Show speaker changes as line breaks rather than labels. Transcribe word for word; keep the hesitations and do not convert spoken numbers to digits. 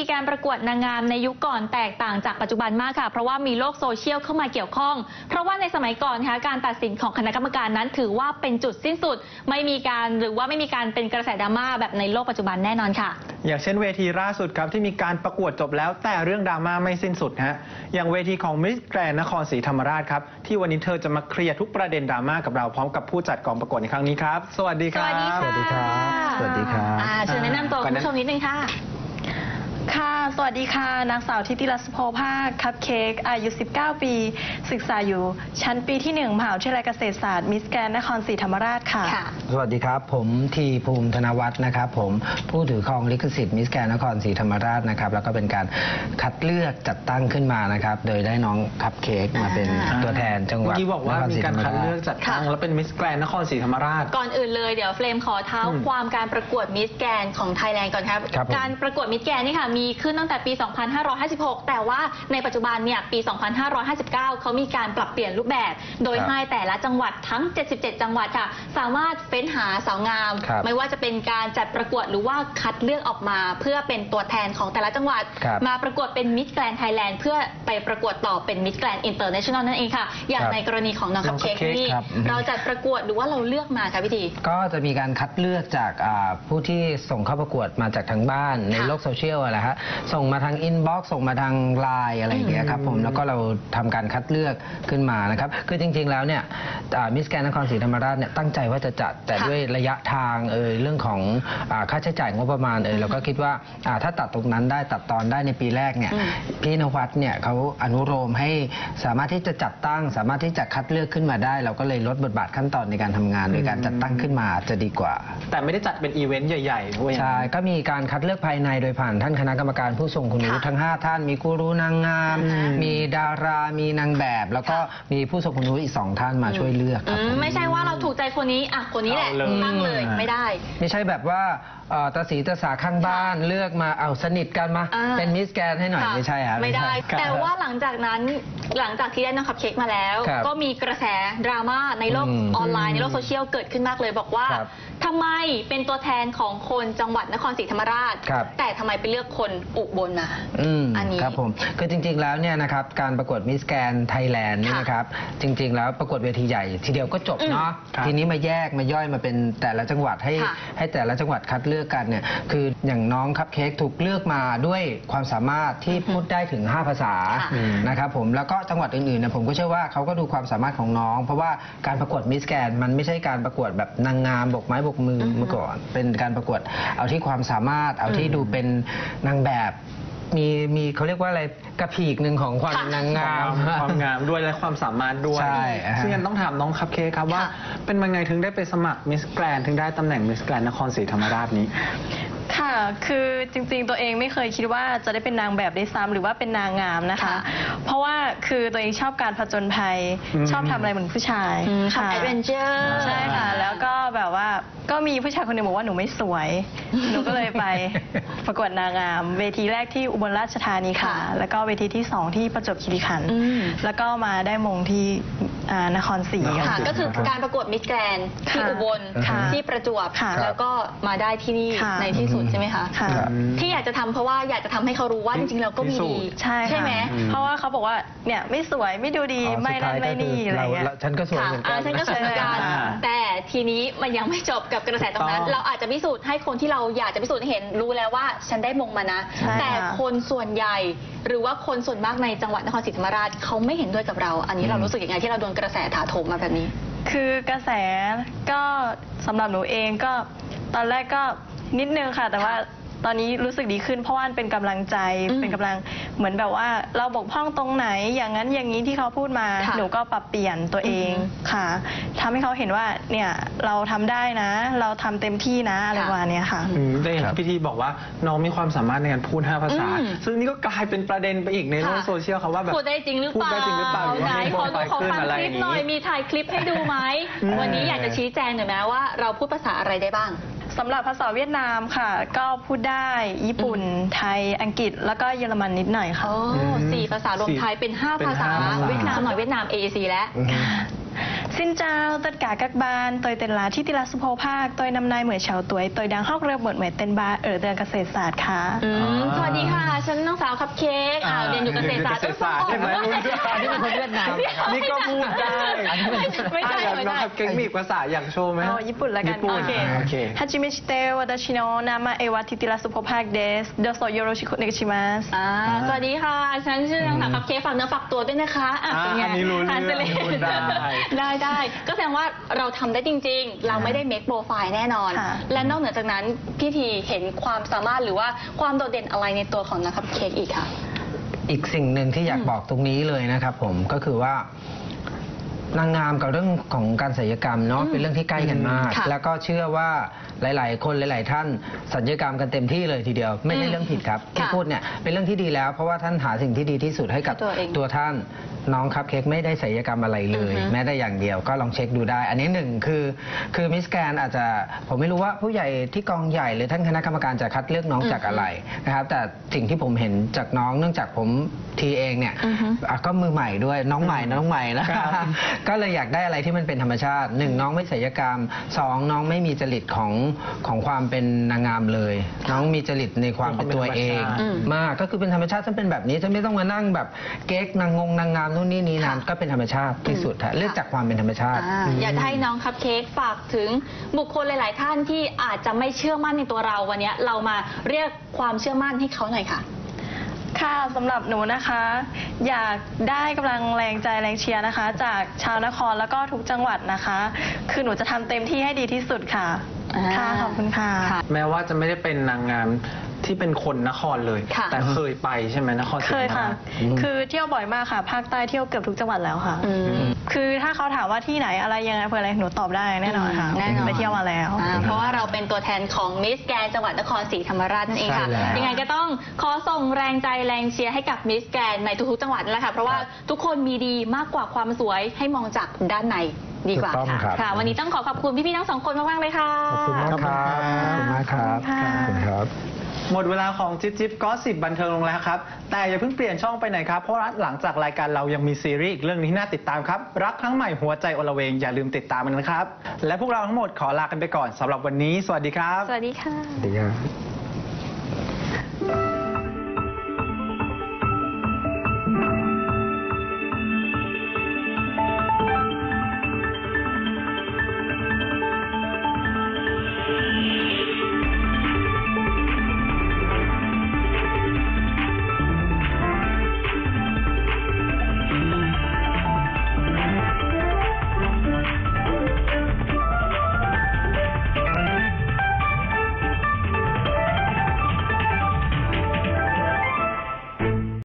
การประกวดนางงามในยุคก่อนแตกต่างจากปัจจุบันมากค่ะเพราะว่ามีโลกโซเชียลเข้ามาเกี่ยวข้องเพราะว่าในสมัยก่อนค่ะการตัดสินของคณะกรรมการนั้นถือว่าเป็นจุดสิ้นสุดไม่มีการหรือว่าไม่มีการเป็นกระแสดราม่าแบบในโลกปัจจุบันแน่นอนค่ะ
อย่างเช่นเวทีล่าสุดครับที่มีการประกวดจบแล้วแต่เรื่องดราม่าไม่สิ้นสุดฮะอย่างเวทีของมิสแกรนด์นครศรีธรรมราชครับที่วันนี้เธอจะมาเคลียร์ทุกประเด็นดราม่ากับเราพร้อมกับผู้จัดกองประกวดในครั้งนี้ครับสวัสดีครับ
สวัสดีครับ
สวัสดีครับ
เชิญแนะนำตัวคุณผู้ชมนิดนึงค่ะ
ค่ะสวัสดีค่ะนางสาวทิติรัศโพภาคคัพเค้กอายุสิบเก้าปีศึกษาอยู่ชั้นปีที่หนึ่งมหาวิทยาลัยเกษตรศาสตร์มิสแกรนด์นครศรีธรรมราชค่ะ
สวัสดีครับผมทีภูมิธนวัฒน์นะครับผมผู้ถือครองลิขสิทธิ์มิสแกรนด์นครศรีธรรมราชนะครับแล้วก็เป็นการคัดเลือกจัดตั้งขึ้นมานะครับโดยได้น้องคัพเค้กมาเป็นตัวแทนจังหวัด
ที่บอกว่ามีการคัดเลือกจัดตั้งแล้วเป็นมิสแกรนด์นครศรีธรรมราช
ก่อนอื่นเลยเดี๋ยวเฟรมขอเท้าความการประกวดมิสแกรนด์ของไทยแลนด์ก่อนครับการประกวดมิสแกรนด์นี่ค่ะมีขึ้นตั้งแต่ปีสองพันห้าร้อยห้าสิบหกแต่ว่าในปัจจุบันเนี่ยปีสองพันห้าร้อยห้าสิบเก้าเขามีการปรับเปลี่ยนรูปแบบโดยให้แต่ละจังหวัดทั้งเจ็ดสิบเจ็ดจังหวัดค่ะสามารถเฟ้นหาสาวงามไม่ว่าจะเป็นการจัดประกวดหรือว่าคัดเลือกออกมาเพื่อเป็นตัวแทนของแต่ละจังหวัดมาประกวดเป็นมิสแกรนด์ไทยแลนด์เพื่อไปประกวดต่อเป็นมิสแกรนด์อินเตอร์เนชั่นแนลนั่นเองค่ะอย่างในกรณีของน้องคัพเค้กนี่เราจัดประกวดหรือว่าเราเลือกมาค่ะพี่ที
ก็จะมีการคัดเลือกจากผู้ที่ส่งเข้าประกวดมาจากทางบ้านในโลกโซเชียลอะไรฮะส่งมาทางอินบ็อกซ์ส่งมาทางไลน์อะไรอย่างเงี้ยครับผมแล้วก็เราทำการคัดเลือกขึ้นมานะครับคือจริงๆแล้วเนี่ยมิสแกรนด์นครศรีธรรมราชเนี่ยตั้งใจว่าจะจัดแต่ด้วยระยะทางเออเรื่องของค่าใช้จ่ายงบประมาณเออเราก็คิดว่าถ้าตัดตรงนั้นได้ตัดตอนได้ในปีแรกเนี่ยพี่นวัดเนี่ยเขาอนุโลมให้สามารถที่จะจัดตั้งสามารถที่จะคัดเลือกขึ้นมาได้เราก็เลยลดบทบาทขั้นตอนในการทำงานโดยการจัดตั้งขึ้นมาจะดีกว่า
แต่ไม่ได้จัดเป็นอีเวนต์ใหญ่ๆด้วย
ใช่ก็มีการคัดเลือกภายในโดยผ่านท่านคณะกรรมการผู้ทรงคุณวุฒิทั้งห้าท่านมีกูรูนางงามมีดารามีนางแบบแล้วก็มีผู้ทรงคุณวุฒิอีกสองท่านมาช่วยเลือกครับ
ไม่ใช่ว่าเราถูกใจคนนี้อ่ะคนนี้แหละตั้งเลยไม่ได้
ไม่ใช่แบบว่าตาสีตาสาข้างบ้านเลือกมาเอาสนิทกันมาเป็นมิสแกรนด์ให้หน่อยไม่ใช่ครับ
ไม่ได้แต่ว่าหลังจากนั้นหลังจากที่ได้น้องคัพเค้กมาแล้วก็มีกระแสดราม่าในโลกออนไลน์ในโลกโซเชียลเกิดขึ้นมากเลยบอกว่าทำไมเป็นตัวแทนของคนจังหวัดนครศรีธรรมราชแต่ทำไมไปเลือกคนอุบลมา
อันนี้ครับผมคือจริงๆแล้วเนี่ยนะครับการประกวดมิสแกรนด์ไทยแลนด์นี่นะครับจริงๆแล้วประกวดเวทีใหญ่ทีเดียวก็จบเนาะทีนี้มาแยกมาย่อยมาเป็นแต่ละจังหวัดให้ให้แต่ละจังหวัดคัดเลือกกันเนี่ยคืออย่างน้องคัพเค้กถูกเลือกมาด้วยความสามารถที่พูดได้ถึงห้าภาษานะครับผมแล้วก็จังหวัดอื่นๆเนี่ยผมก็เชื่อว่าเขาก็ดูความสามารถของน้องเพราะว่าการประกวดมิสแกรนด์มันไม่ใช่การประกวดแบบนางงามบกไม้บกมือเมื่อก่อนเป็นการประกวดเอาที่ความสามารถเอาที่ดูเป็นนางแบบมีมีเขาเรียกว่าอะไรกระพีกหนึ่งของความนางงาม
ความงามด้วยและความสามารถด้วย
ใช่
ซึ่งยังต้องถามน้องคัพเค้กครับว่าเป็นยังไงถึงได้ไปสมัครมิสแกรนด์ถึงได้ตำแหน่งมิสแกรนด์นครศรีธรรมราชนี้
ค่ะคือจริงๆตัวเองไม่เคยคิดว่าจะได้เป็นนางแบบได้ซ้ำหรือว่าเป็นนางงามนะคะเพราะว่าคือตัวเองชอบการผจญภัยชอบทำอะไรเหมือนผู้ชาย
ค่ะแอดเวนเจอร์
ใช่ค่ะแล้วก็แบบว่าก็มีผู้ชายคนหนึ่งบอกว่าหนูไม่สวยหนูก็เลยไปประกวดนางงามเวทีแรกที่อุบลราชธานีค่ะแล้วก็เวทีที่สองที่ประจวบคีรีขันธ์แล้วก็มาได้มงที่นครศรี
ค่ะก็คือการประกวดมิสแกรนด์ที่อุบลที่ประจวบแล้วก็มาได้ที่นี่ในที่สุดใช่ไหมคะที่อยากจะทำเพราะว่าอยากจะทำให้เขารู้ว่าจริงๆเราก็มีดีใช่ไหม
เพราะว่าเขาบอกว่าเนี่ยไม่สวยไม่ดูดีไม่นั่นไม่นี่อะไรเงี้ย
ฉันก็สวยเหมือนกัน
ฉันก็สวยเหมือนกันแต่ทีนี้มันยังไม่จบกับกระแสตรงนั้นเราอาจจะพิสูจน์ให้คนที่เราอยากจะพิสูจน์ให้เห็นรู้แล้วว่าฉันได้มงมานะแต่คนส่วนใหญ่หรือว่าคนส่วนมากในจังหวัดนครศรีธรรมราชเขาไม่เห็นด้วยกับเราอันนี้เรารู้สึกยังไงที่เราโดนกระแสถาโถมมาแบบนี้
คือกระแสก็สำหรับหนูเองก็ตอนแรกก็นิดนึงค่ะแต่ว่าตอนนี้รู้สึกดีขึ้นเพราะว่าเป็นกำลังใจเป็นกำลังเหมือนแบบว่าเราบกพร่องตรงไหนอย่างนั้นอย่างนี้ที่เขาพูดมาหนูก็ปรับเปลี่ยนตัวเองค่ะทำให้เขาเห็นว่าเนี่ยเราทำได้นะเราทำเต็มที่นะอะไรประมาณนี้ค่ะ
ได้เห็นพี่ทีบอกว่าน้องมีความสามารถในการพูดห้าภาษาซึ่งนี่ก็กลายเป็นประเด็นไปอีกในโลกโซเชียลเขาว่าแบบ
พูดได้จริงหรือเปล่า
พูดได้จริงหรือเปล่า
ไหนขอดูขอฟังคลิปหน่อยมีถ่ายคลิปให้ดูไหมวันนี้อยากจะชี้แจงหน่อยไหมว่าเราพูดภาษาอะไรได้บ้าง
สำหรับภาษาเวียดนามค่ะก็พูดได้ญี่ปุ่นไทยอังกฤษแล้วก็เยอรมันนิดหน่อยค่ะ
โอ้สี่ภาษารวมไทยเป็นห้าภาษาเวียดนามหน่อยเวียดนาม เอ เอ ซี แล้ว
Xin chào tất cả các bạn, tôi tên là Thi Ti La Supo Park, tôi năm nay mười sáu tuổi, tôi đang học lớp một mười tên ba ở trườngเกษตรศาสตร์ค่ะ
อืมสวัสดีค่ะ ฉันนางสาวคัพเค้กอ่าเรียนอยู่เกษตรศาสตร์
เกษตรศาสตร์ใช่ไหม
อันนี้เป็นคนเวียดนามนะครับ
นี่ก็พูดได้
ไม่ใช่
อ่ะ
ไม่
น้อง
ใช่
ครับเก่งมีอีกภาษาอยากโชว์ไหม
เอาญี่ปุ่นละกัน
ญี่ปุ่น
โอเค
โอเค
はじめして私の名前はティティラスポパークですどうぞよろしくお願いします
อ่าสวัสดีค่ะ ฉันชื่อนางสาวคัพเค้กฝากเนื้อฝากตัวด้วยนะคะอ่ะเป็นไง
อ่าอันนี้รู้เรื่อง
ทานเสล
พูดได้
ได้ได้ก็แสดงว่าเราทำได้จริง ๆ เราไม่ได้เมคโปรไฟล์แน่นอน
ค่ะ
และนอกเหนือจากนั้นพี่ทีเห็นความสามารถหรือว่าความโดดเด่นอะไรในตัวของนางคัพเค้กอีกค่ะ
อีกสิ่งหนึ่งที่อยากบอกตรงนี้เลยนะครับผมก็คือว่านางงามกับเรื่องของการศัลยกรรมเนาะ
อืม
เป็นเรื่องที่ใกล้กันมาก
ค่ะ
แล้วก็เชื่อว่าหลาย ๆ คนหลาย ๆ ท่านศัลยกรรมกันเต็มที่เลยทีเดียว ไม่ใช่เรื่องผิดครับที่
ค่ะ
พูดเนี่ยเป็นเรื่องที่ดีแล้ว เพราะว่าท่านหาสิ่งที่ดีที่สุดให้กับ
ตัวเอง
ตัวท่านน้องครับเค้กไม่ได้ศัลยกรรมอะไรเลย
อือฮึ
แม้แต่อย่างเดียวก็ลองเช็คดูได้ อันนี้หนึ่งคือคือมิสแกรนอาจจะผมไม่รู้ว่าผู้ใหญ่ที่กองใหญ่หรือท่านคณะกรรมการจะคัดเลือกน้องจากอะไรนะครับแต่สิ่งที่ผมเห็นจากน้องเนื่องจากผมทีเองเนี่ย
อือฮึ
อ่ะก็มือใหม่ด้วยน้องใหม่น้องใหม่นะครับ ก็เลยอยากได้อะไรที่มันเป็นธรรมชาติหนึ่งน้องไม่ศัลยกรรมสองน้องไม่มีจริตของของความเป็นนางงามเลย น้องมีจริตในความเป็นตัวเอง
อืม
มากก็คือเป็นธรรมชาติฉันเป็นแบบนี้ฉันไม่ต้องมานั่งแบบเก๊กนางงงนางงามนู่นนี่นี่นั่น
ค่ะ
ก็เป็นธรรมชาติที่สุดฮะเลือกจากความเป็นธรรมชาติ
อ่าอยากให้น้องคัพเค้กฝากถึงบุคคลหลาย ๆ ท่านที่อาจจะไม่เชื่อมั่นในตัวเราวันนี้เรามาเรียกความเชื่อมั่นให้เขาหน่อยค่ะ
ค่ะสำหรับหนูนะคะ อยากได้กำลังแรงใจแรงเชียร์นะคะ จากชาวนครแล้วก็ทุกจังหวัดนะคะ คือหนูจะทำเต็มที่ให้ดีที่สุดค่ะ
อ่า
ค่ะขอบคุณค่ะ
ค่ะ
แม้ว่าจะไม่ได้เป็นนางงามที่เป็นคนนครเลย
ค่ะ
แต่เคยไปใช่ไหมนครศรี
เคยค่ะ
ธรรมราช
อืม
คือเที่ยวบ่อยมากค่ะ ภาคใต้เที่ยวเกือบทุกจังหวัดแล้วค่ะ
อืม
คือถ้าเขาถามว่าที่ไหนอะไรยังไงเพื่ออะไรหนูตอบได้แน่นอนค่ะ
แน่นอน
ไปเที่ยวมาแล้ว
อ่าเพราะว่าเราเป็นตัวแทนของมิสแกรนจังหวัดนครศรีธรรมราชนั่นเองค่ะ
ใช่แล้ว
ยังไงก็ต้องขอส่งแรงใจแรงเชียร์ให้กับมิสแกรนในทุกๆจังหวัดนั่นแหละค่ะ เพราะว่าทุกคนมีดีมากกว่าความสวยให้มองจากด้านในดีกว่า
ถูกต้อง
ค่ะ
ครับ
ค่ะ วันนี้ต้องขอขอบคุณพี่ๆทั้งสองคนมากๆเลยค่ะ
ขอบคุณมากครับขอบคุณมากครับ
ขอบคุณค่ะ
ขอบคุณครับ
หมดเวลาของจิ๊บจิ๊บก็สิบบันเทิงลงแล้วครับ แต่อย่าเพิ่งเปลี่ยนช่องไปไหนครับ เพราะว่าหลังจากรายการเรายังมีซีรีส์อีกเรื่องนึงที่น่าติดตามครับ รักครั้งใหม่หัวใจอลเวงอย่าลืมติดตามมันนะครับ และพวกเราทั้งหมดขอลากันไปก่อนสำหรับวันนี้ สวัสดีครับ
สวัสดีค่ะ
สวัสดีครับ